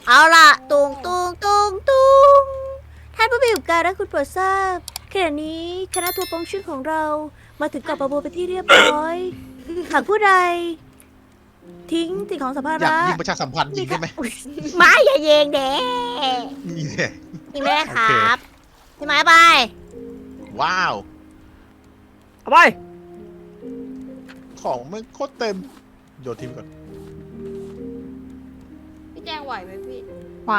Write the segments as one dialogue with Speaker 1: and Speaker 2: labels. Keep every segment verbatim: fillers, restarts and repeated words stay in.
Speaker 1: เอาล่ะตุงตุงตุงตุงท่านผู้มีอุปการะคุณโปรดทราบขณะนี้คณะทัวร์ปองชื่อของเรามาถึงเกาะปะโบเป็นที่เรียบร้อยหากผู้ใดทิ้งสิ่งของสัมภา
Speaker 2: อยาก
Speaker 1: ระ
Speaker 2: ยิงประชาสัมพันธ์ยิงได้ไหม
Speaker 1: ไม้อย่าเยงเด้
Speaker 2: นี่แหละ
Speaker 1: ยิงได้ครับพี่ไม้ไป
Speaker 2: ว้าว
Speaker 1: เอาไป
Speaker 2: ของมันโคตรเต็มโยนทิ้งก่อน
Speaker 3: พี่แจงไหวไหมพี่
Speaker 4: ไหว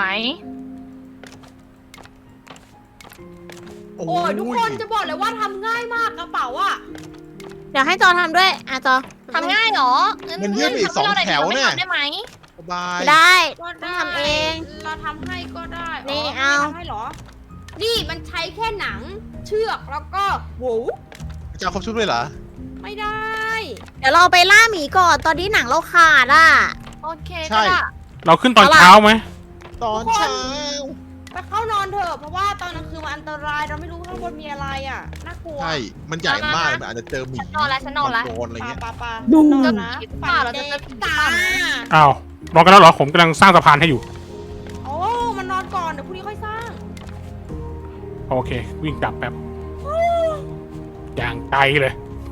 Speaker 3: โอ้ยทุกคนจะบอกเลยว่าทำง่ายมากกระเป๋าอะ
Speaker 1: เดี๋ยวให้จอทำด้วยอ่ะจอ
Speaker 4: ทำง่ายเหรอ
Speaker 2: มันยืดไปอีกสองแถวเนี่ย
Speaker 4: ได้ไหม
Speaker 2: สบาย
Speaker 1: ได้
Speaker 3: ก็
Speaker 1: ต้อง
Speaker 3: ได้
Speaker 1: ทำเอง
Speaker 3: เราทำให้ก็ได้
Speaker 1: นี่
Speaker 3: ไม่
Speaker 1: เอา
Speaker 3: ทำให้เหรอ นี่มันใช้แค่หนังเชือกแล้วก็โหว
Speaker 2: จะเอาครบชุดเลยเหรอ
Speaker 3: ไม่ได้
Speaker 1: เดี๋ยวเราไปล่าหมีก่อนตอนนี้หนังเราขาดอ่ะ
Speaker 4: โอเค
Speaker 2: ใช่
Speaker 4: ก็ได้
Speaker 5: เราขึ้นตอน
Speaker 1: เอาล่ะ
Speaker 5: เช้าไหม
Speaker 2: ตอนเช้า
Speaker 3: ไปเข้านอนเถอะเพราะว่าตอนกลางคืนมันอันตรายเราไม่รู้ข้างบนมีอะไรอะน่ากลัว
Speaker 2: ใช่ มันใหญ่มากมันอาจจะเจอหมี
Speaker 4: ฉันนอนแล้วฉันนอนแล้ว
Speaker 2: มังกรอะไร
Speaker 3: ปา
Speaker 2: เงี้ย
Speaker 3: ปาปา
Speaker 1: ดู
Speaker 3: นอ
Speaker 4: จะ
Speaker 3: นนะ
Speaker 4: ผิดเปล่าเราจะเจอผี
Speaker 3: ตา
Speaker 4: เปล่า
Speaker 5: อ้าวรอกันแล้วเหรอ ผมกำลังสร้างสะพานให้อยู่
Speaker 3: โอ้มันนอนก่อนเดี๋ยวพรุ่งนี้ค่อยสร้าง
Speaker 5: โอเค วิ่งกลับแป๊บ อย่างไกลเลย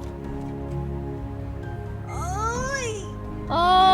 Speaker 4: โอ้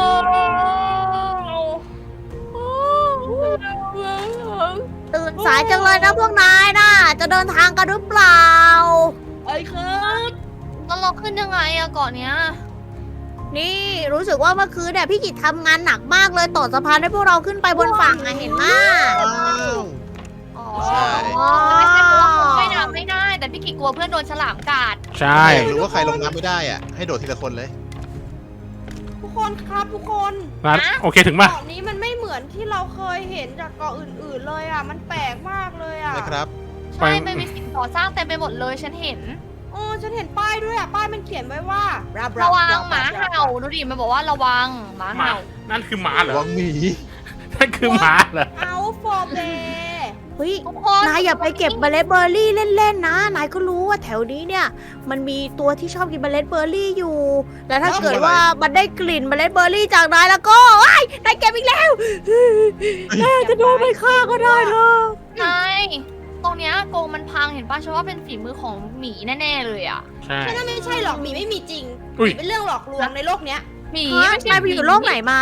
Speaker 1: ตื่นสายจังเลยนะพวกนายน่ะ จะเดินทางกันหรือเปล่า
Speaker 3: เอ้ยครับ
Speaker 4: แล้วเราขึ้นยังไงอะเกาะเนี้ย
Speaker 1: นี่รู้สึกว่าเมื่อคืนเนี่ยพี่กิจทำงานหนักมากเลยต่อสะพานให้พวกเราขึ้นไปบนฝั่งอะเห็นมาก
Speaker 2: อ้าว
Speaker 4: อ๋อ
Speaker 2: ใช่
Speaker 4: ไม่ใช่เพราะว่าคนว่ายน้ำไม่ได้ แต่พี่กิกกลัวเพื่อนโดนฉลามกัด
Speaker 5: ใช่
Speaker 2: หรือว่าใครลงน้ำไม่ได้อ่ะ ให้โดดทีละคนเลย
Speaker 3: ทุกคนครับทุกคน
Speaker 5: นัดโอเคถึงป่ะ
Speaker 3: เกาะนี้มันไม่เหมือนที่เราเคยเห็นจากเกาะอื่นๆเลยอ่ะ มันแปลกมากเลยอ่ะ
Speaker 2: นะครับ
Speaker 4: ใช่ไม่มีสิ่งก่อสร้างเต็มไปหมดเลยฉันเห็น
Speaker 3: โอ้ฉันเห็นป้ายด้วยอ่ะ ป้ายมันเขียนไว้ว่ารับ
Speaker 4: ระวังหมาเห่าดูดิมันบอกว่าระวังหมา
Speaker 5: หมา
Speaker 4: เห่า
Speaker 5: นั่นคือหมาเหรอ
Speaker 2: วังหมี
Speaker 5: นั่นคือหมาเหรอ
Speaker 3: เอาฟอร์เบ
Speaker 1: เฮ้ย
Speaker 4: ทุกคน
Speaker 1: นายอย่าไปเก็บเมล็ดเบอร์รี่เล่นๆนะ นายก็รู้ว่าแถวนี้เนี่ย มันมีตัวที่ชอบกินเมล็ดเบอร์รี่อยู่ แล้วถ้าเกิดว่ามันได้กลิ่นเมล็ดเบอร์รี่จากนายแล้วก็ไอ้ยนายเก็บอีกแล้วน่าจะโดนไปฆ่าก็ได้เธอ
Speaker 4: ใช่ตรงเนี้ยโกงมันพังเห็นป่ะฉันว่าเป็นฝีมือของหมีแน่ๆเลยอ่ะ
Speaker 5: ใช่
Speaker 3: ฉันว่าไม่ใช่หรอกหมีไม่มีจริงห
Speaker 5: อุ้ย
Speaker 3: มีเป็นเรื่องหลอกลวงในโลกเนี้ย
Speaker 4: หมี
Speaker 1: ฮะ
Speaker 4: ไม่ใช่
Speaker 1: นายไปอยู่โลกไหนมา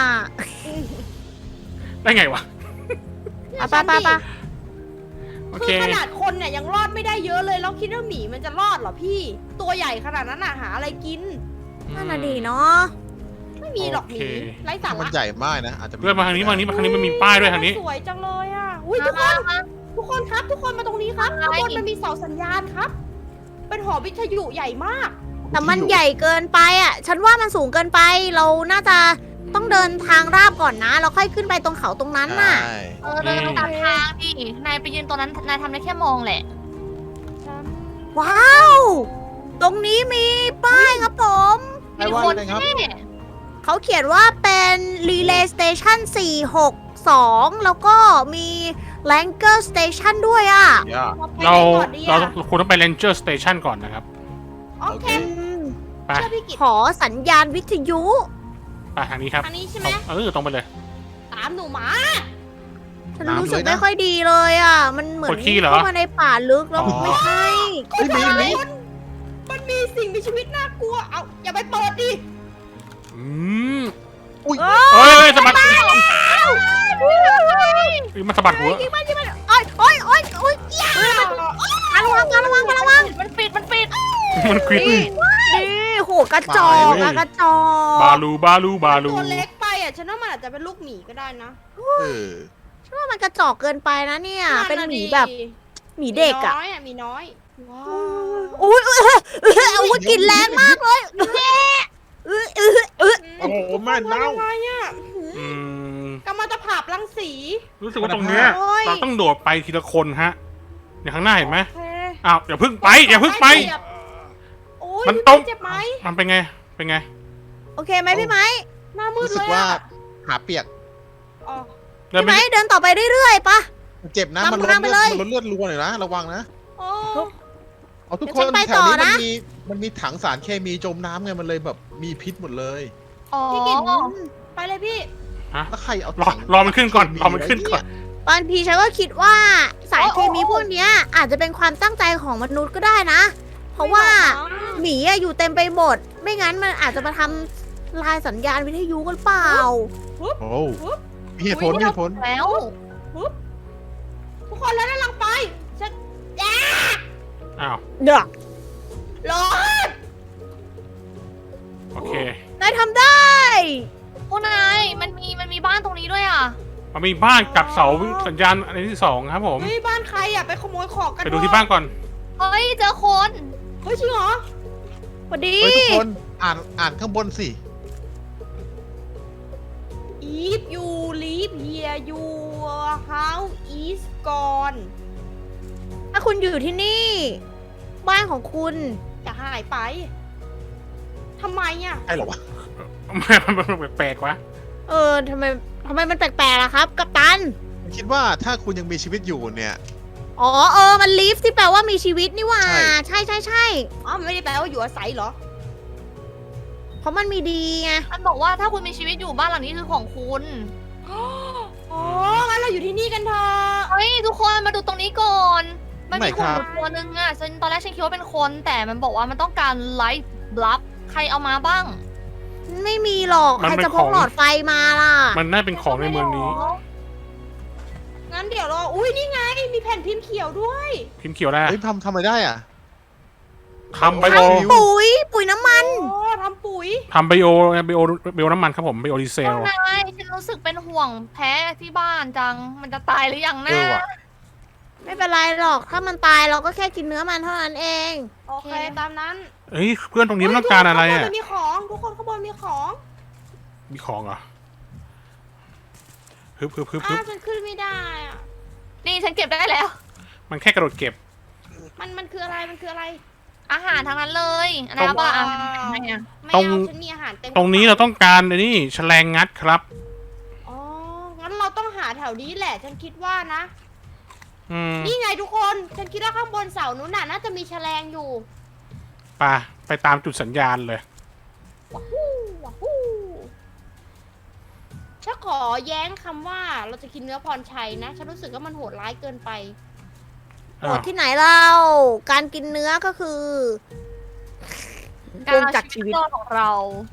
Speaker 5: ได้ไงวะ
Speaker 1: อ่ะไปไปไป
Speaker 5: โอ
Speaker 3: คื
Speaker 5: เค
Speaker 3: อขนาดคนเนี่ยยังรอดไม่ได้เยอะเลยแล้วคิดว่าหมีมันจะรอดเหรอพี่ ตัวใหญ่ขนาดนั้นน่ะหาอะไรกิน
Speaker 1: นั่นน่ะดีเนาะ
Speaker 3: ไม่มีหรอกหมี
Speaker 5: โอเค
Speaker 3: ไร้สา
Speaker 2: มัน
Speaker 3: ระ
Speaker 2: ใหญ่มากนะ อาจจะ
Speaker 5: เพื่อนมาทางนี้มาทางนี้มาทางนี้มันมีป้ายด้วยทางนี้
Speaker 3: สวยจังเลยอ่ะอุ้ยทุกค
Speaker 4: มาน มา
Speaker 3: ทุกคนครับ ทุกคนมาตรงนี้ครับ
Speaker 4: อะไร
Speaker 3: ข้างบนมันมีเสาสัญญาณครับ เป็นหอวิทยุใหญ่มาก
Speaker 1: แต่มันใหญ่เกินไปอ่ะ ฉันว่ามันสูงเกินไป เราน่าจะต้องเดินทางราบก่อนนะ แล้วค่อยขึ้นไปตรงเขาตรงนั้นน่ะ
Speaker 2: ใช่
Speaker 4: เออเดินตามทางดินายไปยืนตรงนั้นนายทำได้แค่มองแหละ
Speaker 1: ว้าว ตรงนี้มีป้ายครับผม
Speaker 2: ไป
Speaker 4: มี
Speaker 2: ว่า
Speaker 4: คน
Speaker 2: เลยครับ
Speaker 4: แน่
Speaker 1: เขาเขียนว่าเป็น Relay Station สี่หกสอง แล้วก็มี Lanker Station ด้วยอ่ะ
Speaker 2: ย่า
Speaker 5: เรา
Speaker 3: เราไปไหนก่อนดี
Speaker 5: เรา
Speaker 3: อะ
Speaker 5: ควรต้องไป Ranger Station ก่อนนะครับ
Speaker 3: โอเค
Speaker 5: ไป
Speaker 3: เชื่อพี่กิต
Speaker 1: ขอสัญญาณวิทยุ
Speaker 5: ไปทางนี้ครับ
Speaker 3: อันนี้ใช่ไหม
Speaker 5: เออตรงไปเลย
Speaker 3: ตามหนูมา
Speaker 1: ฉันรู้สึกไม่ค่อยดีเลยอ่ะ มันเหมือน
Speaker 5: ปวดขี้เหรอ
Speaker 1: เข้ามาในป่าลึกแล้ว
Speaker 5: อ๋อ
Speaker 1: ไม่ใช่
Speaker 2: เฮ้ยหมีหมี
Speaker 3: มันมีสิ่งมีชีวิตน่ากลัว เอาอย่าไปเปิดดิ
Speaker 5: อืม
Speaker 2: อุ้ย
Speaker 1: เอ
Speaker 5: เฮ้ย
Speaker 1: อ
Speaker 5: เฮ้ยสะบัด
Speaker 1: เฮ้ย
Speaker 5: เฮ้ยมันสะบัดหัว
Speaker 1: ยิงมันยิงมันโอ้ยโอ้ยโอ้ยโอ้ยอย่าระวังระวังระวัง
Speaker 4: มันปิดมันปิด
Speaker 5: มันควิด
Speaker 1: นี่นี่โหกระจอกอะกระจอก
Speaker 5: บาลูบาลูบาลู
Speaker 3: ตัวเล็กไปอ่ะ ฉันว่ามันอาจจะเป็นลูกหมีก็ได้นะ
Speaker 2: เออ
Speaker 1: ฉันว่ามันกระจอกเกินไปนะเนี่ย เป็นหมี
Speaker 3: ดิ
Speaker 1: แบบหมีเด็กอะ
Speaker 3: มีน้อยอ่ะ มีน้อย ว้าว
Speaker 1: อุ้ยเออเอออาวุธกลินแรงมากเลยเออเออเออ
Speaker 2: โอ้โหแม่เน่า
Speaker 3: ทำไมอ่ะ
Speaker 5: อืม
Speaker 3: กำมะตะผาบรังสี
Speaker 5: รู้สึกว่าตรงเนี้ย
Speaker 1: โอ้ย
Speaker 5: เราต้องโดดไปทีละคนฮะอย่างข้างหน้าเห็นไหม
Speaker 3: โอเค
Speaker 5: อ้าวอย่าเพึ่งไปอย่าเพึ่งไป
Speaker 3: โอ้ย
Speaker 5: มัน
Speaker 3: พี่
Speaker 5: ตรง
Speaker 3: เจ็บไหม
Speaker 5: มันเป็นไงเป็นไง
Speaker 1: โอเคไหมพี่ไม้
Speaker 3: หน้ามืด
Speaker 2: รู้สึ
Speaker 3: เล
Speaker 2: ก
Speaker 3: ย
Speaker 2: ว่า
Speaker 3: อ่ะ
Speaker 2: หาเปียก
Speaker 3: อ๋อ
Speaker 5: เดิน
Speaker 1: พี่
Speaker 5: ไป
Speaker 1: ไม้เดินต่อไปเรื่อยๆปะ
Speaker 2: มันเจ็บนะ
Speaker 1: นำ
Speaker 2: มันลด
Speaker 1: ทางไป
Speaker 2: เลือ
Speaker 1: เล
Speaker 2: ด
Speaker 1: ย
Speaker 2: มันลดเลือดรัวหน่อยนะ ระวังนะ
Speaker 3: โอ้
Speaker 2: เอาทุก
Speaker 1: เดี๋ยว
Speaker 2: ค
Speaker 1: ฉั
Speaker 2: น
Speaker 1: นไป
Speaker 2: แถ
Speaker 1: ต่
Speaker 2: ว
Speaker 1: อ
Speaker 2: นี้มั
Speaker 1: นะ
Speaker 2: นมีมันมีถังสารเคมีจมน้ำไงมันเลยแบบมีพิษหมดเลย
Speaker 4: อ๋อ
Speaker 3: พี่กิตไปเลยพี่
Speaker 5: ฮะ
Speaker 2: แล้วใครเอา
Speaker 5: รอ
Speaker 2: ถัง
Speaker 5: รอมันขึ้นก่อนรอมันขึ้นก่อน
Speaker 1: บางทีฉันก็คิดว่าสารเคมีพวกเนี้ยอาจจะเป็นความตั้งใจของมนุษย์ก็ได้นะ เพราะว่าหมีอะอยู่เต็มไปหมด ไม่งั้นมันอาจจะมาทำลายสัญญาณวิทยุกันเปล่า
Speaker 2: โอ้มีเหตุผลมีเหตุผล
Speaker 4: แล้ว
Speaker 3: ทุกคนแล้วนั่นลังไปฉันแย่
Speaker 5: อ้าว
Speaker 1: เด้อ
Speaker 3: รอด
Speaker 5: โอเคน
Speaker 1: ายทำได้
Speaker 4: พวกนายมันมีมันมีบ้านตรงนี้ด้วยอ่ะ
Speaker 5: มันมีบ้านกับเสาสัญญาณอันที่สองครับผม
Speaker 3: เฮ้ยบ้านใครอ่ะไปขโมยของกัน
Speaker 5: ไปดูที่บ้านก่อน
Speaker 4: เฮ้ยเจอคน
Speaker 3: เฮ้ยจริงเหรอ
Speaker 1: สวัสดี
Speaker 2: เฮ้ยทุกคนอ่านอ่านข้างบนสิ
Speaker 3: If you leave here your house is gone
Speaker 1: ถ้าคุณอยู่ที่นี่ บ้านของคุณ
Speaker 3: จะหายไปทำไมอ่ะ
Speaker 2: ใช่เหรอวะ
Speaker 5: มันมันแปลกๆวะ
Speaker 1: เออทำไมทำไมมันแปลกๆล่ะครับ กัปตัน
Speaker 2: ผมคิดว่าถ้าคุณยังมีชีวิตอยู่เนี่ย
Speaker 1: อ๋อเออ มันลีฟที่แปลว่ามีชีวิตนี่หว่า
Speaker 2: ใช่
Speaker 1: ใช่ใช่ใช่
Speaker 3: อ๋อไม่ได้แปลว่าอยู่อาศัยเหรอ
Speaker 1: เพราะมันมีดีไง
Speaker 4: มันบอกว่าถ้าคุณมีชีวิตอยู่บ้านหลังนี้คือของคุณ
Speaker 3: อ๋องั้นเราอยู่ที่นี่กันเถอะ
Speaker 4: เฮ้ยทุกคนมาดูตรงนี้ก่อน มันมี
Speaker 2: ไหน
Speaker 4: หุ่
Speaker 2: คน รับ
Speaker 4: อยู่ตัวนึงอ่ะฉันตอนแรกฉันคิดว่าเป็นคน แต่มันบอกว่ามันต้องการไลท์บลัฟใครเอามาบ้าง
Speaker 1: ไม่มีหรอก
Speaker 5: มัน
Speaker 1: ใคร
Speaker 5: เป็น
Speaker 1: จะพ
Speaker 5: ข
Speaker 1: ก
Speaker 5: อง
Speaker 1: หลอดไฟมาล่ะ
Speaker 5: มันน่าเป็นของในเมืองนี้
Speaker 3: งั้นเดี๋ยวรออุ้ยนี่ไงมีแผ่นพิมพ์เขียวด้วย
Speaker 5: พิมพ์เขียวได้
Speaker 2: เฮ้ยทำทำอะไรได้อ่ะ
Speaker 5: ทำไบโอ
Speaker 2: ทำ
Speaker 1: ปุ๋ย ปุ๋ยน้ำมัน
Speaker 3: โอ้ทำปุ๋ย
Speaker 5: ทำไบโอไบโอไบโอน้ำมันครับผมไบโอดีเซ
Speaker 4: พว
Speaker 5: ล
Speaker 4: กนายฉันรู้สึกเป็นห่วงแพ้ที่บ้านจัง มันจะตายหรือยัง
Speaker 2: เอ
Speaker 4: นะ
Speaker 2: อว่ะ
Speaker 1: ไม่เป็นไรหรอก ถ้ามันตายเราก็แค่กินเนื้อมันเท่านั้นเอง
Speaker 3: โอเคตามนั้น
Speaker 5: เอ้ยเพื่อนตรงนี้มันต้องการอะไร
Speaker 3: เฮ้ย
Speaker 5: อ่ะ
Speaker 3: ทุกคนข้างบนมันมีของทุกคนข้างบนมีของ
Speaker 5: มีของเหรอฮึบฮึบฮึบฮึ
Speaker 3: อ้า
Speaker 5: บ
Speaker 3: วฉันขึ้นไม่ได้อ่ะ
Speaker 4: นี่ฉันเก็บได้แล้ว
Speaker 5: มันแค่กระโดดเก็บ
Speaker 3: มันมันคืออะไรมันคืออะไร
Speaker 4: อาหารทั้งนั้นเลยอันนั้น
Speaker 5: ตรง
Speaker 4: บ้าอา
Speaker 3: ว้าว
Speaker 4: หารทำไมอ่ะ
Speaker 3: ไม่
Speaker 5: ตรง
Speaker 3: เอาฉันมีอาหารเต็ม
Speaker 5: ตรงนี้เราต้องการไอ้นี่แฉลงงัดครับ
Speaker 3: อ๋องั้นเราต้องหาแถวนี้แหละ ฉันคิดว่านะ
Speaker 5: อืม
Speaker 3: นี่ไงทุกคน ฉันคิดว่าข้างบนเสานู้นน่ะน่าจะมีแฉลงอยู่
Speaker 5: ไปไปตามจุดสัญญาณเลย
Speaker 3: ว้าวฮู้ว้าวฮู้ฉันขอแย้งคำว่าเราจะกินเนื้อพรชัยนะ ฉันรู้สึกว่ามันโหดร้ายเกินไป
Speaker 1: โหดที่ไหนเรา การกินเนื้อก็คือ
Speaker 4: การ
Speaker 1: วง
Speaker 4: เอา
Speaker 1: จาก
Speaker 4: ชี
Speaker 1: ชี
Speaker 4: วิ
Speaker 1: วิ
Speaker 4: ต
Speaker 1: ต
Speaker 4: รอดของเรา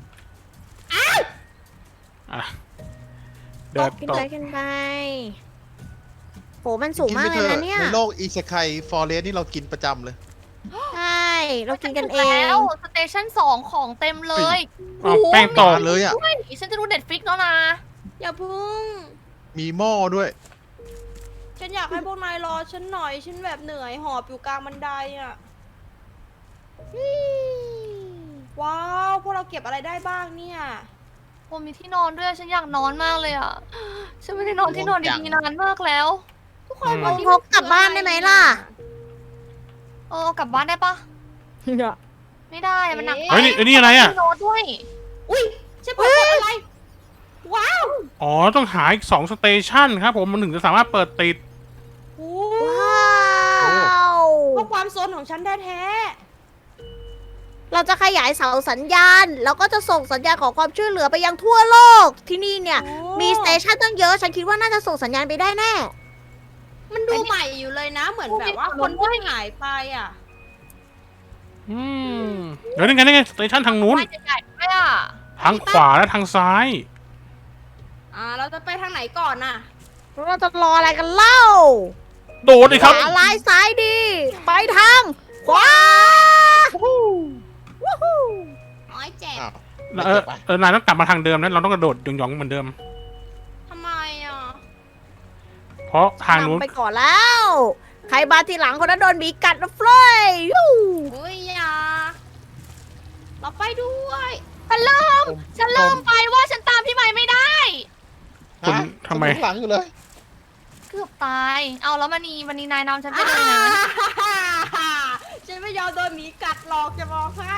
Speaker 5: อ่ะเดิน
Speaker 1: กิน
Speaker 5: ต่อ
Speaker 1: ไปกินไปโหมันสูงมากเลยนะเนี่ย
Speaker 2: ในโลกอีเซคายฟอเรสนี่เรากินประจำเลย
Speaker 1: ใช่ เรากินกันเอ
Speaker 4: แล้
Speaker 1: ง
Speaker 4: วสเตชันสองของเต็มเลย
Speaker 5: อ้าวแป้งต่อ
Speaker 2: มาเลยอ่ะ
Speaker 4: เฮ้ยฉันจะดูเน็ตฟิกแล้วนะ
Speaker 3: อย่าพึ่ง
Speaker 2: มีหม้อด้วย
Speaker 3: ฉันอยากให้พวกนายรอฉันหน่อย ฉันแบบเหนื่อยหอบอยู่กลางบันไดอ่ะนี่ว้าว พวกเราเก็บอะไรได้บ้างเนี่ย
Speaker 4: ผมมีที่นอนด้วยฉันอยากนอนมากเลยอ่ะ ฉันไม่ได้นอนที่นอนดีๆนานมากแล้ว
Speaker 3: ทุกคน
Speaker 5: อืม
Speaker 3: วันนี้
Speaker 1: พกกลับบ้านได้ไหมล่ะ
Speaker 4: เออกลับบ้านได้ปะไม่ได้มันหนัก
Speaker 5: เฮ้ยนี่ไอ้นี่อะไรอ่ะ
Speaker 4: มีโน้ตด้วย
Speaker 3: อุ้ยฉันเปิดกดอะไร ว้าว
Speaker 5: อ๋อต้องหาอีกสองสเตชันครับผมมันถึงจะสามารถเปิดติด
Speaker 3: โอ้
Speaker 1: ว้าว
Speaker 3: เพราะความโซนของฉันแท้
Speaker 1: เราจะขยายเสาสัญญาณ แล้วก็จะส่งสัญญาณขอความช่วยเหลือไปยังทั่วโลก ที่นี่เนี่ย
Speaker 3: ๆโอ้
Speaker 1: มีสเตชันตั้งเยอะ ฉันคิดว่าน่าจะส่งสัญญาณไปได้แน่
Speaker 3: มันดูใหม่อยู่เลยนะ เหมือนแบบว่าคนเพิ่งหายไปอ่ะ
Speaker 5: อืมเดี๋ยวนี่ไงนี่ไงสเตชันทางนู้น
Speaker 4: ไปใหญ่ๆด้วยอ่ะ
Speaker 5: ทางขวาและทางซ้าย
Speaker 3: อ่า เราจะไปทางไหนก่อนน่ะ
Speaker 1: เราจะรออะไรกันเล่า
Speaker 5: โดดเลยครับ
Speaker 1: ขวาลายซ้ายดี ไปทางขวาวู้ฮู้
Speaker 3: อ้อยเจ็บ
Speaker 2: อ้าว
Speaker 5: เออเออนายต้องกลับมาทางเดิมนะเราต้องกระโดดหยองๆเหมือนเดิม
Speaker 3: ทำไมอ่ะ
Speaker 5: เพราะทางนู้น
Speaker 1: นำไปก่อนแล้ว ใครมาทีหลังคนนั้นโดนหมีกัดนะเฟลยยู
Speaker 3: เฮ้ยอย่าเราไปด้วย
Speaker 4: ฉันเริ่มฉันเริ่มไปว่าฉันตามพี่ใหม่ไม่ได้
Speaker 5: คุณ
Speaker 2: ฮะ
Speaker 5: ทำไม
Speaker 2: ฉันอยู่ข้างหลังอยู่เลย
Speaker 4: เกือบตาย เอาแล้วมันนีมันนีนายนำฉันไปเลยนะ
Speaker 3: ฉันไม่ยอมโดนหมีกัดหรอกจะบอกให้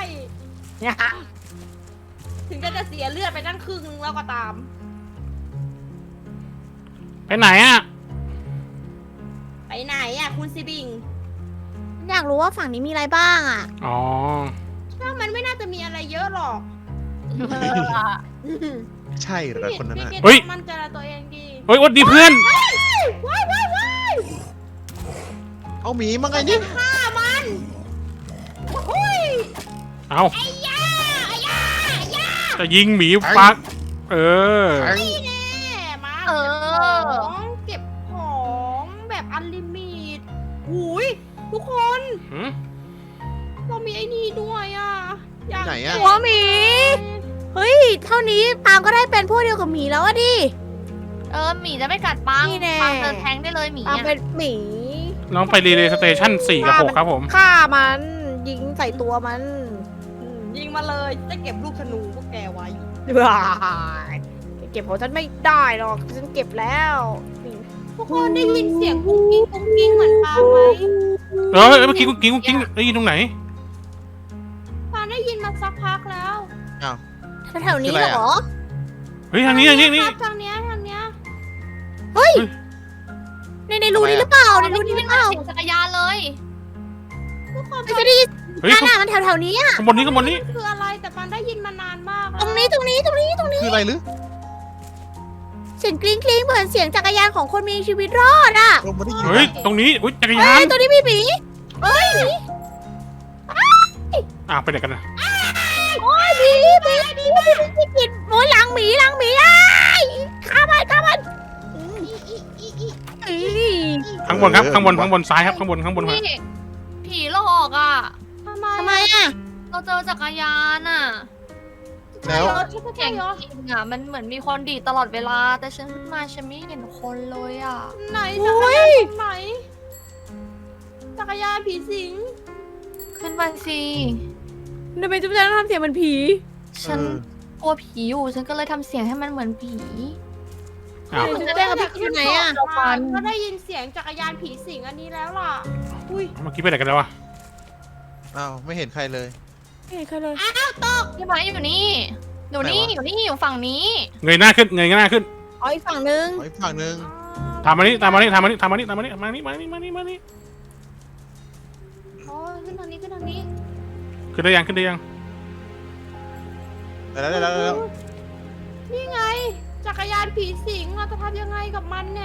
Speaker 3: ถึงจะจะเสียเลือดไปตั้งครึ่งนึงแล้วก็ตาม
Speaker 5: ไปไหนอ่ะ
Speaker 3: ไปไหนอ่ะคุณซิบิง
Speaker 1: อยากรู้ว่าฝั่งนี้มีอะไรบ้างอ่ะ
Speaker 5: อ๋อ
Speaker 3: ถ้ามันไม่น่าจะมีอะไรเยอะหรอก
Speaker 4: เออ
Speaker 2: ใช่เหรอคนนั้น
Speaker 3: พี่
Speaker 2: น่ะ
Speaker 3: กิต
Speaker 5: เฮ้ย
Speaker 3: มั่นใจในตัวเองดี
Speaker 5: เฮ้ยวัดดีเพื่อน
Speaker 3: ว้ายว้ายว้าย
Speaker 2: เอาหมีมาไงนี่
Speaker 3: ฆ่ามันโอ้ย
Speaker 5: เอา
Speaker 3: ไอ้ย่าไอ้ย่าไอ้ย่า
Speaker 5: จะยิงหมีปักเออ
Speaker 2: แทง
Speaker 3: แน่มา
Speaker 4: เออ
Speaker 3: เก็บของแบบอันลิมิตหูยทุกคน
Speaker 5: หืม
Speaker 3: เรามีไอ้นี่ด้วยอ่ะอยาก
Speaker 2: ไหนอะ
Speaker 1: หัวหมี เฮ้ย เท่านี้ปางก็ได้เป็นพวกเดียวกับหมีแล้วอะดิ
Speaker 4: เออหมีจะไม่กัดปัง
Speaker 1: นี่แน่
Speaker 4: ปังเดินแทงได้เลยหมี
Speaker 1: ปาง
Speaker 4: อะ
Speaker 1: เป็นหมี
Speaker 5: น้องไปรีเลย์สเตชันสี่กับหกครับผม
Speaker 1: ฆ่ามันยิงใส่ตัวมัน
Speaker 3: อืมยิงมาเลยจะเก็บลูกธนูพวกแกไว้
Speaker 1: ว้ายเก็บของฉันไม่ได้หรอกฉันเก็บแล้วนี่
Speaker 3: ทุกคนได้ยินเสียงกุ้งกิ้งกุ้งกิ้งเหมือนปางไหม
Speaker 5: เออเมื่อกี้กุ๊กกิ๊งกุ๊กกิ๊งได้ยินตรงไหน
Speaker 3: ปางได้ยินมาสักพักแล้ว
Speaker 2: อ้าว
Speaker 1: แถวๆนี้เหรอ
Speaker 5: เฮ้ยทางนี้ทางนี้นี่
Speaker 3: ครับทางเนี้ยทางเนี้ย
Speaker 1: เฮ้ย ในในรูนี้หรือเปล่า ใน
Speaker 4: ได้
Speaker 1: รู
Speaker 4: ยิ
Speaker 1: นี้
Speaker 4: น
Speaker 1: ห
Speaker 4: เป็
Speaker 1: รื
Speaker 4: น
Speaker 1: อเปล่า
Speaker 4: เสียงจักรยานเลย
Speaker 3: ทุกคน
Speaker 1: ไม่จะได้ยิน
Speaker 5: เฮ้ย
Speaker 1: นั่นน่ะมันแถวๆนี้อะ
Speaker 5: ข้างบนนี้ข้างบนนี้
Speaker 3: คืออะไรแต่ปางได้ยินมานานมาก
Speaker 1: ตรงนี้ตรงนี้ตรงนี้ตรงนี้
Speaker 2: คืออะไรหรือ
Speaker 1: เสียงกริ๊งกริ๊งเหมือนเสียงจักรยานของคนมีชีวิตรอดอะ
Speaker 2: เราไม่ได้ยิน
Speaker 5: เฮ้ย
Speaker 2: นะ
Speaker 5: ตรงนี้อุ้ยจักร
Speaker 1: เฮ้
Speaker 5: ยาน
Speaker 1: ยตัวนี้มีหมี
Speaker 5: อ่ะไปไหนกันนะ
Speaker 1: โอ้ยหมีหมีหมีหมีหมีกินโอ้ยหลังหมีหลังหมีอ้ายฆ่ามันฆ่ามันอี
Speaker 5: ข้างบนครับข้างบนข้างบนซ้ายครับข้างบนข้างบนครับ
Speaker 4: นี่ผีหลอกอ่ะ
Speaker 3: ทำไม
Speaker 1: ทำไมอะ
Speaker 4: เราเจอจักรยานอ่ะ
Speaker 2: แล้ว
Speaker 3: ใช่ใช่
Speaker 4: เสียง
Speaker 3: เหรอ
Speaker 4: จริงอ่ะมันเหมือนมีคนดีดตลอดเวลา แต่ฉันขึ้นมาฉันไม่เห็นคนเลยอ่ะ
Speaker 3: ไหนจักรยานตรงไหนจักรยานผีสิง
Speaker 4: ขึ้นไปสิ
Speaker 1: ทำไมจุ๊บแจงต้องทำเสียงเหมือนผี
Speaker 4: ฉัน
Speaker 2: เออ
Speaker 4: กลัวผีอยู่ ฉันก็เลยทำเสียงให้มันเหมือนผี
Speaker 5: อ้าว
Speaker 1: จุ๊บแจงกับพี่อยู่ไหนอะ
Speaker 4: เราฟัน
Speaker 3: ก็ได้ยินเสียงจักรยานผีสิงอันนี้แล้วล่ะอุ้ย
Speaker 5: เมื่อกี้ไปไหนกันแล้ววะ
Speaker 2: อ้าวไม่เห็นใครเลย
Speaker 1: ไม่เห็นใครเลย
Speaker 4: พี่ไม้อยู่นี่อยู่นี่
Speaker 2: ไหนวะ
Speaker 4: อยู่นี่อยู่ฝั่งนี้
Speaker 5: เงยหน้าขึ้นเงยหน้าขึ้น
Speaker 1: อ๋ออีกฝั่งนึง
Speaker 2: ขออีกฝั่งหนึ่ง
Speaker 5: ตามมานี่ตามมานี่ตามมานี่ตามมานี่ตามมานี่มานี่มานี่มานี่มานี่
Speaker 3: อ๋อขึ้นทางนี้ขึ้นทางนี้
Speaker 5: ขึ้นได้ยังขึ้นได้ยัง
Speaker 2: ได้แล้วได้แล้วได้แล้ว
Speaker 3: นี่ไง จักรยานผีสิงเราจะทำยังไงกับมันเนี่ย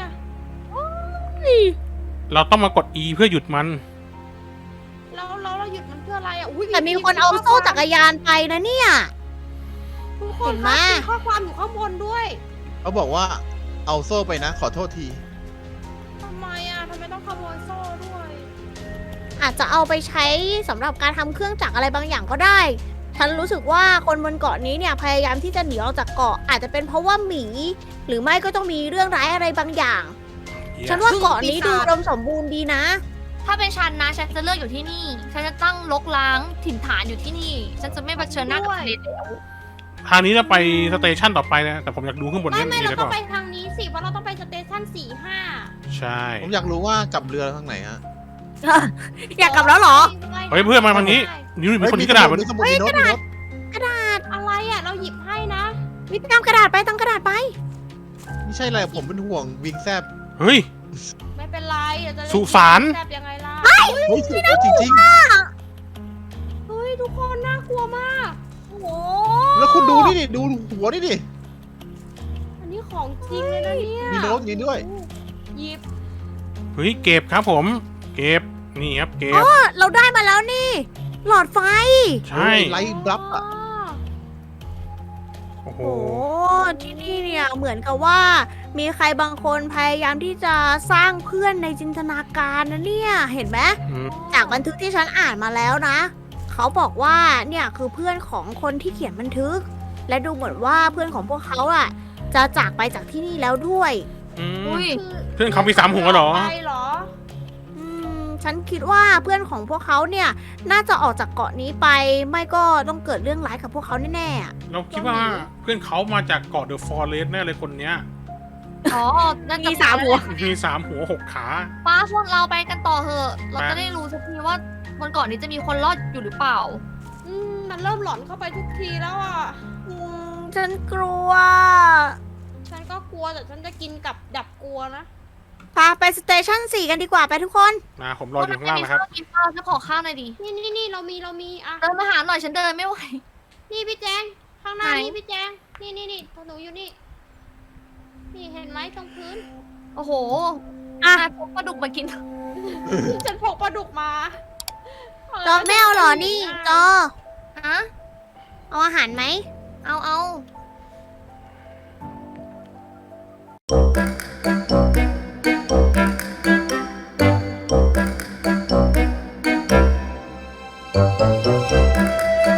Speaker 5: เราต้องมากด E เพื่อหยุดมัน
Speaker 3: แล้วแล้วเราหยุดมันเพื่ออะไรอ่ะอุ้ย
Speaker 1: แต่มีคนเอาโซ่จักรยานไปนะเนี่ย
Speaker 3: ทุกค
Speaker 1: เห็
Speaker 3: น
Speaker 1: นไหม
Speaker 3: มีข้อความอยู่ข้างบนด้วย
Speaker 2: เขาบอกว่าเอาโซ่ไปนะ ขอโทษที
Speaker 3: ทำไมอ่ะทำไมต้องขโมยโซ่ด้วย
Speaker 1: อาจจะเอาไปใช้สำหรับการทำเครื่องจักรอะไรบางอย่างก็ได้ ฉันรู้สึกว่าคนบนเกาะนี้เนี่ยพยายามที่จะหนีออกจากเกาะ อาจจะเป็นเพราะว่าหมี หรือไม่ก็ต้องมีเรื่องร้ายอะไรบางอย่าง ฉันว่าเกาะนี้ดูอุดมสมบูรณ์ดีนะ
Speaker 4: ถ้าเป็นฉันนะฉันจะเลือกอยู่ที่นี่ ฉันจะตั้งลกล้างถิ่นฐานอยู่ที่นี่ ฉันจะไม่เผชิญหน้ากับทะเลแล้ว
Speaker 5: ทางนี้จะไปสเตชันต่อไปนะ แต่ผมอยากดูข้างบน
Speaker 3: ไม่
Speaker 5: นี่
Speaker 3: ไม่
Speaker 5: มีอะ
Speaker 3: เรา
Speaker 5: ไรเป
Speaker 3: ต้อง
Speaker 5: ล่า
Speaker 3: ไปทางนี้สิเพราะเราต้องไปสเตชันสี่ห้า
Speaker 5: ใช่
Speaker 2: ผมอยากรู้ว่ากลับเรือทางไหนฮะ
Speaker 1: อยากกลับแล้วเหรอ
Speaker 5: เฮ้ยเพื่อนมาทางนี้นี่มีคนที่กระดาษมัน
Speaker 2: มีสมุดมีโน้ตมีโน้ต
Speaker 1: กระดาษ
Speaker 3: อะไรอ่ะ เราหยิบให้นะ
Speaker 1: วิทย์ตามกระดาษไปตามกระดาษไป
Speaker 2: ไม่ใช่อะไรผมเป็นห่วงวิงแซบ
Speaker 5: เฮ้ย
Speaker 3: ไม่เป็นไรเดี๋ยวจะได้
Speaker 5: สุสาน
Speaker 3: แซบยังไงล่ะ
Speaker 2: เฮ้ยสุดยอดจริง
Speaker 3: เฮ้ยทุกคนน่ากลัวมาก
Speaker 1: โอ้โห
Speaker 2: ๆ แล้วคุณดูนี่ดิดูหัวนี่ดิ
Speaker 3: อันนี้ของจริงเลยนะเนี่ย
Speaker 2: มีโน้ตอย่างนี้ด้วย
Speaker 3: หยิบ
Speaker 5: เฮ้ยเก็บครับผม เก็บนี่ครับเก็บ
Speaker 1: เราได้มาแล้วนี่ หลอดไฟ
Speaker 5: ใช่
Speaker 2: ไลท์บลับอ่ะ
Speaker 5: โอ้โห
Speaker 1: โอ้ที่นี่เนี่ยเหมือนกับว่า มีใครบางคนพยายามที่จะสร้างเพื่อนในจินตนาการนะเนี่ยเห็นไหม
Speaker 5: อืม
Speaker 1: จากบันทึกที่ฉันอ่านมาแล้วนะ เขาบอกว่าเนี่ยคือเพื่อนของคนที่เขียนบันทึก และดูเหมือนว่าเพื่อนของพวกเขาอ่ะ จะจากไปจากที่นี่แล้วด้วย
Speaker 5: อืม
Speaker 4: อุ้ย
Speaker 5: เพื่อนเขามีสามหัวเหรอ
Speaker 3: ไปเหรอ
Speaker 1: อืมฉันคิดว่าเพื่อนของพวกเขาเนี่ย น่าจะออกจากเกาะนี้ไป ไม่ก็ต้องเกิดเรื่องร้ายกับพวกเขาแน่ๆอะ
Speaker 5: เราคิดว่าเพื่อนเขามาจากเกาะเดอะฟอเรสต์แน่เลยคนเนี้ย
Speaker 4: อ๋อน่จะ
Speaker 1: มีสามหัว
Speaker 5: มีสามหัวหกขา
Speaker 4: ป้าพวกเราไปกันต่อเถอะ เรา
Speaker 5: ไป
Speaker 4: จะได้รู้สักทีว่าบนเกาะนี้จะมีคนรอดอยู่หรือเปล่า
Speaker 3: อืมมันเริ่มหลอนเข้าไปทุกทีแล้วอ่ะ
Speaker 1: อืมฉันกลัว
Speaker 3: ฉันก็กลัวแต่ฉันจะกินกับดับกลัวนะ
Speaker 1: พาไปสเตชันสี่กันดีกว่าไปทุกคน
Speaker 5: มาผมรออยู่ข้างล่างนะครับ
Speaker 4: พวกนกินข้าวฉันขอข้าวหน่อยดิ
Speaker 3: นี่นี่นี่เรามีเรามีอ่ะ
Speaker 4: เดินมาหาหน่อยฉันเดินไม่ไหว
Speaker 3: นี่พี่แจงทข้างหน้า
Speaker 4: ไหน
Speaker 3: นี่พี่แจง นี่นี่นี่ตัวหนูอยู่นี่ นี่เห็นไหมตรงพื้น
Speaker 4: โอ้โห
Speaker 1: อ่ะ
Speaker 4: นายพกปลาดุกมากิน
Speaker 3: ฉันพกปลาดุกมา
Speaker 1: จอไม่เอาเหรอนี่จอ
Speaker 4: ฮะ
Speaker 1: เอาอาหารไหม
Speaker 4: เอาเอา
Speaker 1: เ